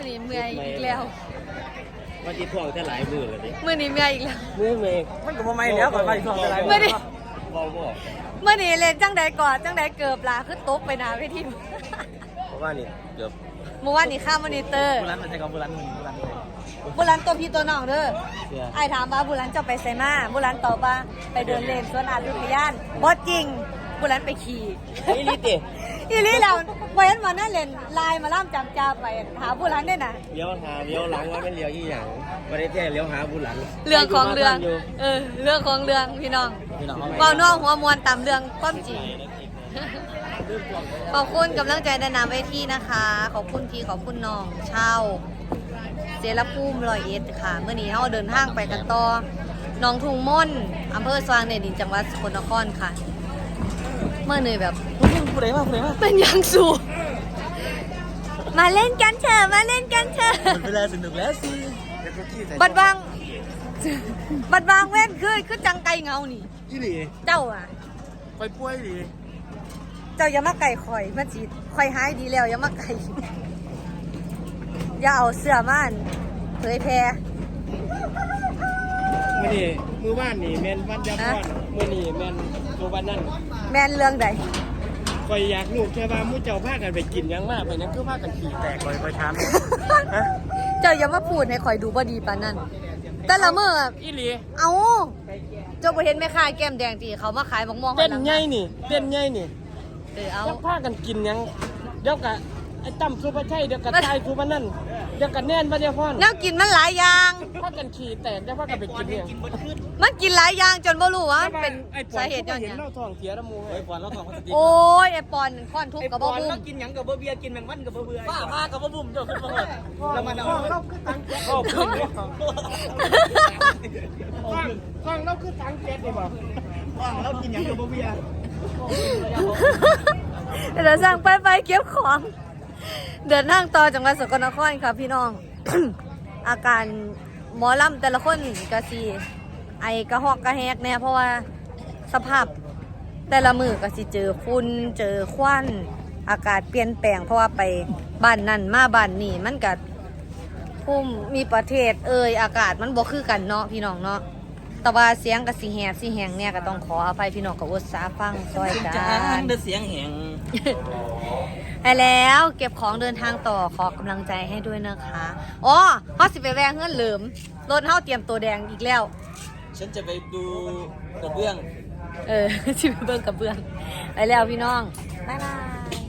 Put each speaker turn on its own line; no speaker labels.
นี้เมื่อยอีกแล้ว
วันที่ท่องจะหลายมือเลยดิ
มื้อนี้เมื่อยอีกแล้ว
เมื่อเมฆ
มันก็บ่ไม่แล้วก่อนไปท่องจะไร
ไม่ได้
บอก
มื้อนี้เล่นจังใดก่อนจังใดเกือบลาคือตกไปหน้าเวที
เพราะว่านี่เกือบ
เมื่อวานนี้ข้ามมอนิเตอร์
บุรันมันจะกับบุรันเลย
บุรันตัวพี่ตัวน้องเด้อ
เสีย
ไอ้ถามว่าบุรันจะไปไสมาบุรันตอบว่าไปเดินเล่นสวนอายุทยานบ่จริงบุรันไปขี่
นี่ลิติ
อีหลีแล้วบ่เห็นว่านั่นเล่นไลน์มาล่ำจำจาไปหาบุรันได้น่ะ
เลี้ยวหาเลี้ยวหลังว่าเป็นเลี้ยวยี่หยังประเทศแท้เลี้ยวหาบุญหลัง
เรื่องของเรื่องเรื่องของเรื่องพี่น้อง
พี่น้อง
เว้าน้องหัวมวนตามเรื่องความจริง ขอบคุณกำลังใจในนามเวทีนะคะ ขอบคุณพี่ขอบคุณน้องเช่าเสรภูมิ101ค่ะเมื่อนี้เราเดินทางไปกันต่อหนองทุ่งม่นอำเภอสว่างแดนดินจังหวัดสกลนครค่ะ เมื่อเหนื่อยแบบ
ผู้ใดมา
เป็นอย่างสูงมาเล่นกันเถอะมาเล่นกันเถอะ
เวลาสนุกแล้วสิ
บัดบางเว้นคือจังไก่เงานี่
ยี่หลี
เจ้าอ่ะ
คอยป่วยดิ
เจ้าอย่ามาไก่ข่อยมาจีดข่อยหายดีแล้วอย่ามาไก่อย่าเอาเสื้อม่านเผยแพร่
มื่อนี่มือบ้านนี่แมนวันยาพรมื่อนี่แมนตัววันนั่น
แม่นเรื่องใด
คอยอยากลูกแค่ว่ามู่เจ้าพากันไปกินยังมากไปนั่นคือพากันขี่แตกคอยถามฮะ
เจ้าอย่ามาพูดให้ข่อยดูบ่ดีปานนั้นแต่ละมื้อ
อีหลี
เอาเจ้าบ่เห็นแม่ค้าแก้มแดงที่เขามาขายบักม่วง
เต้นใหญ่นี่เต้นใหญ่นี่
เอา
จะพากันกินยังเดี๋ยวกะไอ้ตั้มสุภาชัยเดี๋ยวกะทายสุภานั่นเดี๋ยวกะแน่นวันยาพร
แนวกินมันหลายอย่าง
พากันขี่แตกเดี๋ยวพากันไปกินเนี่ย
มันกินหลายอย่างจนบ่รู้ว่ามันเป็น
ไอ้ปอ
สาน เหตุย้อนห
เห็น
ยัง
เล่าทองเสียละมู
ไอ้ปอนเราทองเขาจะกิน
โอ้ยไอ้ปอนค้อนทุบกับบ่บุ้ม
กินหยังกับเบียร์กินแมงวันกับเบื่อป้ากับบุ้มเจ้าขึ้นมาแล้วมันเอา
ก็ขึ้นเลยฟังเราคือตังเจ็ดนี่บอก
เรากินหยังกับเบียร์
เดี๋ยวสั่งไปเก็บของ เดินทางต่อจังหวัดสกลนครค่ะพี่น้อง อาการหมอลำแต่ละคนก็สิไอกระหอกกระแหกเนี่ยเพราะว่าสภาพแต่ละมือก็สิเจอฝุ่นเจอควันอากาศเปลี่ยนแปลงเพราะว่าไปบ้านนั่นมาบ้านนี่มันก็ภูมิมีประเทศอากาศมันบ่คือกันเนาะพี่น้องเนาะแต่ว่าเสียงกับสิแหบสิแหงเนี่ยก็ต้องขออภัยพี่น้องกับอุตสาฟังซอยกัน
เดือเสียงแหง
ไปแล้วเก็บของเดินทางต่อขอกำลังใจให้ด้วยนะคะอ๋อเฮาสิไปแวงเงื่อนเหลิมรถเฮาเตรียมตัวแดงอีกแล้ว
ฉันจะไปดูกระเบื้อง
สิไปเบิ่งกับเบื้องไปแล้วพี่น้องบ๊ายบาย